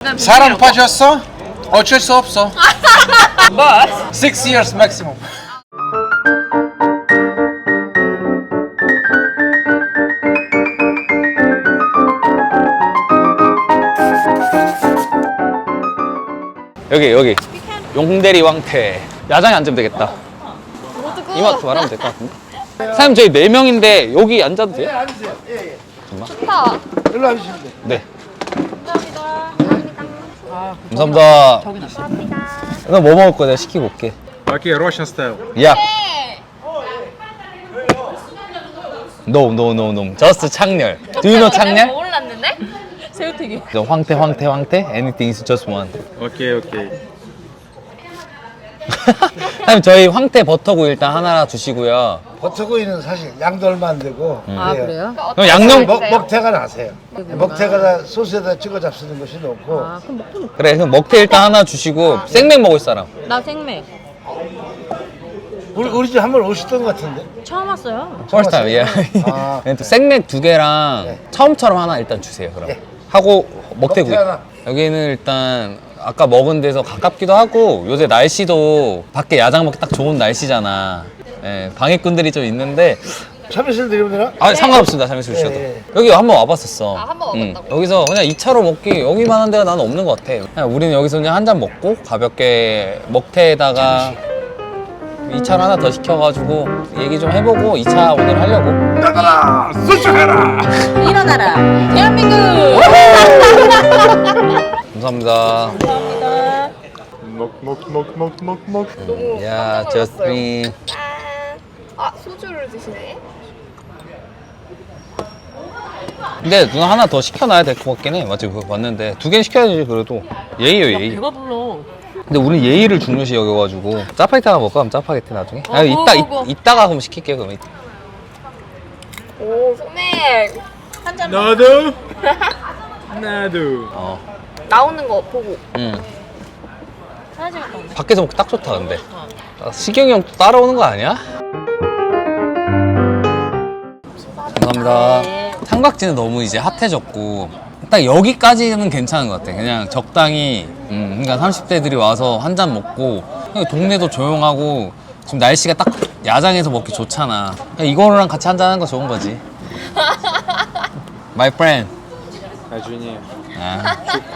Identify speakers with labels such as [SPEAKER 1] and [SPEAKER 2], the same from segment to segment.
[SPEAKER 1] 사랑 빠졌어? 어쩔 수 없어.
[SPEAKER 2] But
[SPEAKER 1] 6 years maximum.
[SPEAKER 3] 여기 용대리 왕태 야장에 앉으면 되겠다. 이마트 말하면 될 것 같은데. 사장님 저희 4명인데 여기 앉아도 돼요?
[SPEAKER 1] 앉으세요. 예.
[SPEAKER 2] 좋다.
[SPEAKER 1] 일로 와주시면 돼.
[SPEAKER 3] 네.
[SPEAKER 2] 감사합니다.
[SPEAKER 3] 감사합니다.
[SPEAKER 2] 저기 났어.
[SPEAKER 3] 너 뭐 먹을 거야? 내가 시키고 올게.
[SPEAKER 1] Okay, Russian style.
[SPEAKER 3] 야. No. Just 창렬. Do you know 창렬?
[SPEAKER 2] 몰랐는데? 새우튀김.
[SPEAKER 3] 황태. Anything is just one.
[SPEAKER 1] Okay.
[SPEAKER 3] 사장님 저희 황태 버터구 일단 하나 주시고요.
[SPEAKER 4] 버터구이는 사실 양도 얼마 안 되고
[SPEAKER 2] 아 그래요?
[SPEAKER 3] 그럼 양념
[SPEAKER 4] 먹태가 나세요. 먹태가 소스에다 찍어 잡수는 것이 높고
[SPEAKER 2] 아 그럼 먹고
[SPEAKER 3] 그래 그럼 먹태 일단 하나 주시고 생맥 먹을 사람.
[SPEAKER 2] 나 생맥
[SPEAKER 4] 우리 집 한 번 오셨던 것 같은데.
[SPEAKER 2] 처음 왔어요.
[SPEAKER 3] First time, yeah.
[SPEAKER 4] 아.
[SPEAKER 3] 또 생맥 2개랑
[SPEAKER 4] 네.
[SPEAKER 3] 처음처럼 하나 일단 주세요. 그럼
[SPEAKER 4] 네.
[SPEAKER 3] 하고 먹태구이.
[SPEAKER 4] 먹태 하나.
[SPEAKER 3] 여기는 일단 아까 먹은 데서 가깝기도 하고 요새 날씨도 밖에 야장 먹기 딱 좋은 날씨잖아. 예, 방해꾼들이 좀 있는데
[SPEAKER 4] 참이슬 드리면 되나?
[SPEAKER 3] 아 상관없습니다. 잘못해 주셔도.
[SPEAKER 4] 네.
[SPEAKER 3] 여기 한번 와봤었어.
[SPEAKER 2] 아, 한번 와봤다고?
[SPEAKER 3] 여기서 그냥 2차로 먹기 여기만한 데가 나는 없는 것 같아. 그냥 우리는 여기서 그냥 한 잔 먹고 가볍게 먹태에다가 2차를 하나 더 시켜가지고 얘기 좀 해보고 2차 오늘 하려고.
[SPEAKER 1] 나가라! 수출해라!
[SPEAKER 2] 일어나라 대한민국.
[SPEAKER 3] 감사합니다.
[SPEAKER 2] 감사합니다.
[SPEAKER 1] 먹.
[SPEAKER 3] 야, 저스틴.
[SPEAKER 5] 아 소주를 드시네.
[SPEAKER 3] 근데 누나 하나 더 시켜놔야 될 것 같긴 해. 맞지? 그거 봤는데 2개 시켜야지 그래도. 예의요 예의.
[SPEAKER 2] 배가 불러.
[SPEAKER 3] 근데 우리는 예의를 중요시 여겨가지고 짜파게티 하나 먹을까? 그럼 짜파게티 나중에? 아, 이따가 그럼 시킬게요 그럼.
[SPEAKER 5] 오 소맥
[SPEAKER 2] 한 잔.
[SPEAKER 1] 나도.
[SPEAKER 3] 어.
[SPEAKER 5] 나오는 거 보고.
[SPEAKER 2] 사진 찍었다.
[SPEAKER 3] 밖에서 먹기 딱 좋다 근데. 아, 시경이 형 또 따라오는 거 아니야? 감사합니다.
[SPEAKER 2] 네.
[SPEAKER 3] 삼각지는 너무 이제 핫해졌고 딱 여기까지는 괜찮은 것 같아. 그냥 적당히 그러니까 30대들이 와서 한 잔 먹고 그냥 동네도 조용하고 지금 날씨가 딱 야장에서 먹기 좋잖아. 그냥 이거랑 같이 한 잔 하는 거 좋은 거지. My friend.
[SPEAKER 1] 나중에.
[SPEAKER 3] 아.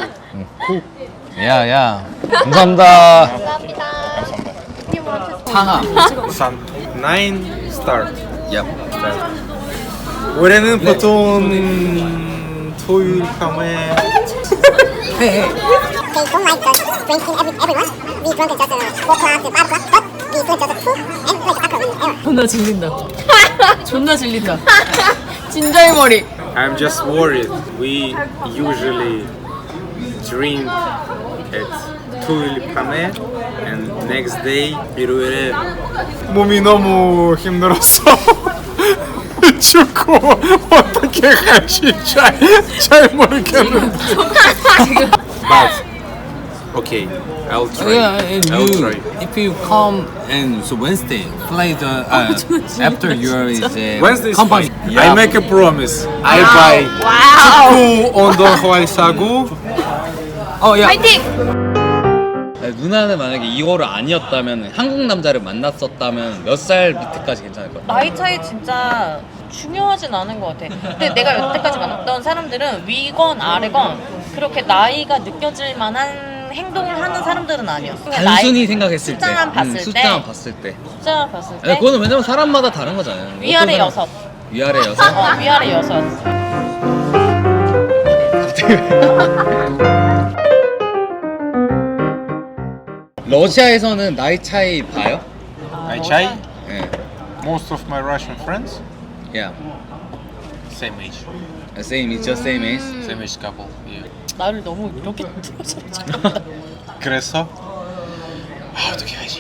[SPEAKER 3] 야. 감사합니다.
[SPEAKER 5] 감사합니다.
[SPEAKER 3] 상하.
[SPEAKER 1] Sun 9 start.
[SPEAKER 3] Yep.
[SPEAKER 1] 올해는 보통 토요일 밤에
[SPEAKER 6] They don't like us drinking everyone. We drink at just 4 o'clock to 5 o'clock, but we drink just 2 and like alcohol in error.
[SPEAKER 2] 존나 질린다. 존나 질린다. 진절머리.
[SPEAKER 1] I'm just worried. We usually drink at 토요일 밤에 and next day 일요일에 몸이 너무 힘들었어. 죽고 어떻게 할지 잘 모르겠는데. But okay, I'll try.
[SPEAKER 3] and
[SPEAKER 1] I'll try.
[SPEAKER 3] if you come and so Wednesday, fly the after your is
[SPEAKER 1] Wednesday is
[SPEAKER 3] company.
[SPEAKER 1] fine. I make a promise. I buy 축구 운동화 사고.
[SPEAKER 3] 야.
[SPEAKER 5] 파이팅!
[SPEAKER 3] 누나는 만약에 이거를 아니었다면 한국 남자를 만났었다면 몇 살 밑에까지 괜찮을 것 같아?
[SPEAKER 2] 나이 차이 진짜 중요하진 않은 것 같아. 근데 내가 여태까지 만났던 사람들은 위건 아래건 그렇게 나이가 느껴질 만한 행동을 하는 사람들은 아니었어. 그냥
[SPEAKER 3] 단순히 생각했을 때,
[SPEAKER 2] 숫자만 봤을 때,
[SPEAKER 3] 숫자만 봤을 때.
[SPEAKER 2] 숫자만 봤을 때
[SPEAKER 3] 아니, 그거는 왜냐면 사람마다 다른 거잖아요.
[SPEAKER 2] 위아래
[SPEAKER 3] 어떤 사람-
[SPEAKER 2] 6.
[SPEAKER 3] 위아래 6?
[SPEAKER 2] 위아래 6.
[SPEAKER 3] 러시아에서는 나이 차이 봐요?
[SPEAKER 1] I try.
[SPEAKER 3] 예.
[SPEAKER 1] Most of my Russian friends
[SPEAKER 3] Yeah.
[SPEAKER 1] same age.
[SPEAKER 3] Same, it's just same age.
[SPEAKER 1] Same age couple. Yeah.
[SPEAKER 2] 나를 너무 이렇게 들어서
[SPEAKER 1] 그래서 어떻게 하지?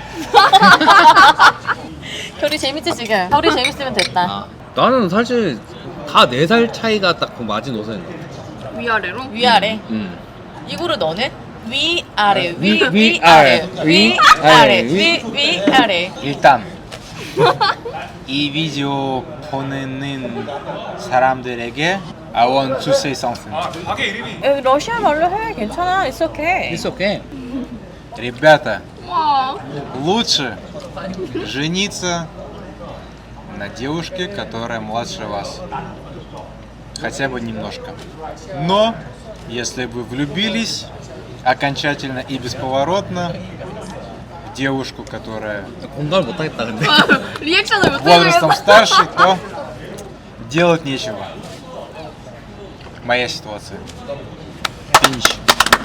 [SPEAKER 2] 결이 재밌지 지금? 결이 재밌으면 됐다.
[SPEAKER 3] 아, 나는 사실 다 4살 차이가 딱 그 마지노선.
[SPEAKER 5] 위아래로?
[SPEAKER 2] 위아래.
[SPEAKER 3] 음.
[SPEAKER 2] 이거를 너는 위아래
[SPEAKER 3] 위아래,
[SPEAKER 2] 위아래
[SPEAKER 3] 위아래,
[SPEAKER 2] 위아래 위아래
[SPEAKER 1] 일단 이 видео 보는 사람들에게 I want to say something.
[SPEAKER 2] 여기 러시아 말로 해. 괜찮아. It's okay.
[SPEAKER 3] It's okay.
[SPEAKER 1] Ребята,
[SPEAKER 5] 와.
[SPEAKER 1] лучше жениться на девушке, которая младше вас. Хотя бы немножко. Но, если вы влюбились окончательно и бесповоротно в девушку, которая
[SPEAKER 3] 공감을 못 하겠다 근데.
[SPEAKER 5] 리액션을 못
[SPEAKER 1] возрастом
[SPEAKER 5] 해주겠어.
[SPEAKER 1] старше, то делать нечего. Моя ситуация. Pinch.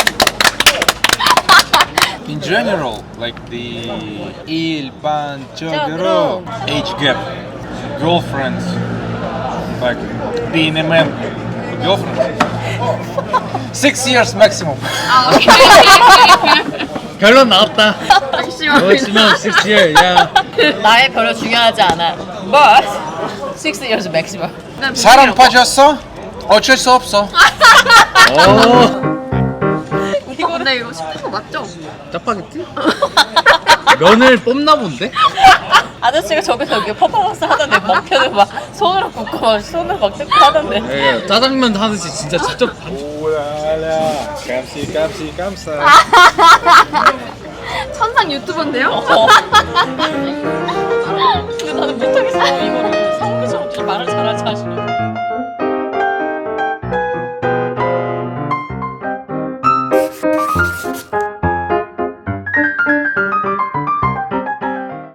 [SPEAKER 1] In general, like the il panchogro age gap, girlfriends, like being a man, girlfriend, 6 years maximum.
[SPEAKER 5] 아, 오케이.
[SPEAKER 3] 결론 나왔다.
[SPEAKER 5] maximum.
[SPEAKER 3] maximum 6 year. 야.
[SPEAKER 2] 나의 별로 중요하지 않아. But 6 years maximum.
[SPEAKER 1] 사람 빠졌어? 어쩔 수 없어.
[SPEAKER 3] 오.
[SPEAKER 5] 근데 이거 시킨 거 맞죠?
[SPEAKER 3] 짜파게티? 면을 뽑나 본데?
[SPEAKER 2] 아저씨가 저기서 이렇게 퍼포먼스 하던데 먹혀도 막 손으로 굽고 막 손으로 막 뜯고 하던데.
[SPEAKER 3] 예, 짜장면 하듯이 진짜 직접
[SPEAKER 1] 오라라, 깜시 깜시 깜사.
[SPEAKER 5] 천상 유튜버인데요?
[SPEAKER 2] 어.